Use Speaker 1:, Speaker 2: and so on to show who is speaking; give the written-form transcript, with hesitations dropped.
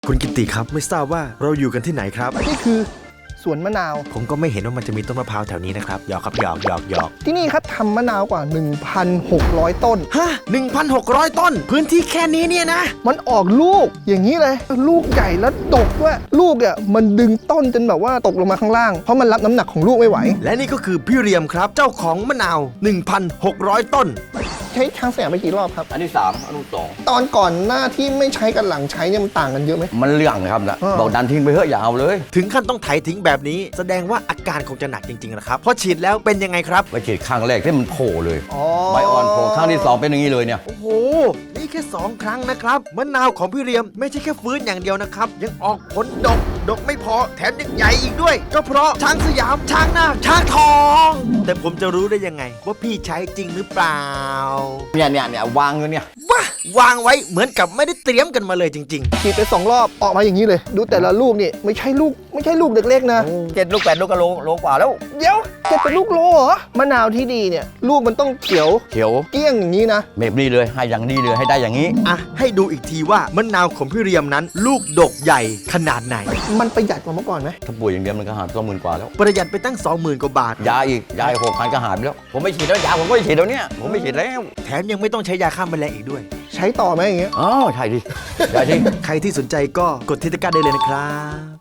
Speaker 1: คุณกิติครับไม่ทราบว่าเราอยู่กันที่ไหนครับ
Speaker 2: นี่คือสวนมะนาว
Speaker 1: ผมก็ไม่เห็นว่ามันจะมีต้นมะพร้าวแถวนี้นะครับหยอกครับหยอก
Speaker 2: ที่นี่ครับทำมะนาวกว่า 1,600 ต้น
Speaker 1: ฮะ 1,600 ต้น พื้นที่แค่นี้เนี่ยนะ
Speaker 2: มันออกลูกอย่างนี้เลย ลูกใหญ่แล้วดกด้วยลูกเนี่ยมันดึงต้นจนแบบว่าตกลงมาข้างล่าง เพราะมันรับน้ำหนักของลูกไม่ไหว
Speaker 1: และนี่ก็คือพี่เรียมครับ เจ้าของมะนาว 1,600 ต้น
Speaker 2: ใช้ช้างสยามไปกี่รอบครับ
Speaker 3: อันที่3อันที่2
Speaker 2: ตอนก่อนหน้าที่ไม่ใช้กับหลังใช้เนี่ยมันต่างกันเยอะไหม
Speaker 3: มันเรื่องนะครับนะ
Speaker 2: อ่า
Speaker 3: บอกดันทิ้งไปเถอะอย่าเอาเลย
Speaker 1: ถึงขั้นต้องไถทิ้งแบบนี้ แสดงว่าอาการคงจะหนักจริงๆนะครับเพราะฉีดแล้วเป็นยังไงครับ
Speaker 3: ไปฉีดครั้งแรกที่มันโผล่เลย
Speaker 2: อ๋อ
Speaker 3: ใบอ่อนโผล่ครั้งที่2เป็นอย่างนี้เลยเนี่ย
Speaker 1: โอ้โห นี่แค่ 2 ครั้งนะครับมะนาวของพี่เรียมไม่ใช่แค่ฟื้นอย่างเดียวนะครับ ยังออกผลดกไม่พอแถมยังใหญ่อีกด้วย ก็เพราะช้างสยามช้างนาคช้างทอง แต่ผมจะรู้ได้ยังไง ว่าพี่ใช้จริงหรือเปล่า
Speaker 3: เนี่ยวางอยู่เนี่ย
Speaker 1: ว้าวางไว้เหมือนกับไม่ได้เตรียมกันมาเลยจริง
Speaker 2: ฉีดไป2 รอบออกมาอย่างนี้เลย ดูแต่ละลูกนี่ไม่ใช่ลูกเล็กๆนะ
Speaker 3: 7 ลูก 8 ลูกก็โลกว่าแล้ว
Speaker 2: เดี๋ยวจะเป็นลูกโลเหรอมะนาวที่ดีเนี่ยลูกมันต้องเขียว
Speaker 3: เขียว
Speaker 2: เกลี้ยงอย่างนี้นะ
Speaker 3: แบบนี้เลยให้อย่างนี้เลยให้ได้อย่างนี้
Speaker 1: ๆ อ่ะ ให้ดูอีกทีว่ามะนาวของพี่เรียมนั้น ลูกดกใหญ่ขนาดไหน
Speaker 2: มันประหยัดกว่าเมื่อก่อนไหม
Speaker 3: ถ้าป่วยอย่างเดียวมันก็หา20,000 กว่าแล้ว
Speaker 1: ประหยัดไปตั้ง 20,000 กว่าบาท
Speaker 3: ยาอีก6,000ก็หายไปแล้ว ผมไม่ฉีดแล้วยาผมก็ไม่ฉีดแล้วเนี่ยผมไม่ฉีดแล้ว
Speaker 1: แถมยังไม่ต้องใช้ยาฆ่าแมลงอีกด้วย
Speaker 2: ใช้ต่อไหมอย่างเงี้ย
Speaker 3: อ๋อใช่ดิ
Speaker 1: ใครที่สนใจก็กดที่ตะกร้าได้เลยนะครับ